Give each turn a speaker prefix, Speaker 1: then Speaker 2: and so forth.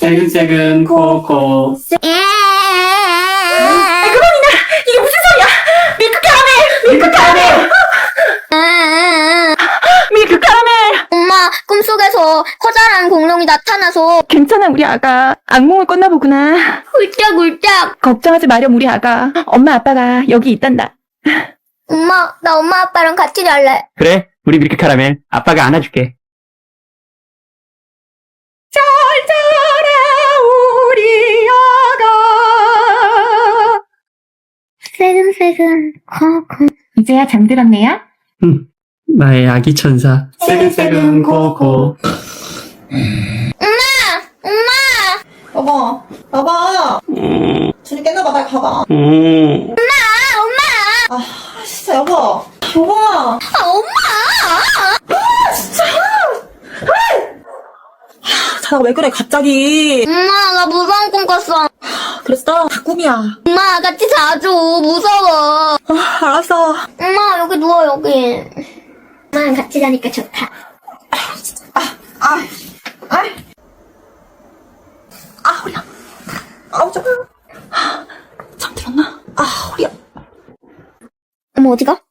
Speaker 1: 새근새근 코코.
Speaker 2: 그만이나! 이게 무슨 소리야! 밀크 카라멜! 밀크 카라멜! 밀크 카라멜!
Speaker 3: 엄마, 꿈속에서 커다란 공룡이 나타나서
Speaker 2: 괜찮아, 우리 아가. 악몽을 꿨나 보구나.
Speaker 3: 훌쩍훌쩍.
Speaker 2: 걱정하지 마렴, 우리 아가. 엄마, 아빠가 여기 있단다.
Speaker 3: 엄마, 나 엄마 아빠랑 같이 잘래.
Speaker 1: 그래, 우리 밀크 카라멜. 아빠가 안아줄게.
Speaker 2: 잘 자라, 우리 아가.
Speaker 3: 새근새근 코코.
Speaker 2: 이제야 잠들었네요?
Speaker 1: 나의 아기 천사. 새근새근 코코.
Speaker 4: 여보, 여보. 준이 깼나봐, 나 가봐. 아, 진짜, 여보. 여보.
Speaker 3: 아, 엄마!
Speaker 4: 자다가 왜 그래, 갑자기.
Speaker 3: 엄마, 나 무서운 꿈 꿨어.
Speaker 4: 그랬어? 다 꿈이야.
Speaker 3: 엄마, 같이 자줘. 무서워.
Speaker 4: 알았어.
Speaker 3: 엄마, 여기 누워, 여기. 엄마랑 같이 자니까 좋다.
Speaker 4: 허리야. 잠깐만. 잠들었나? 허리야.
Speaker 3: 엄마, 어디가?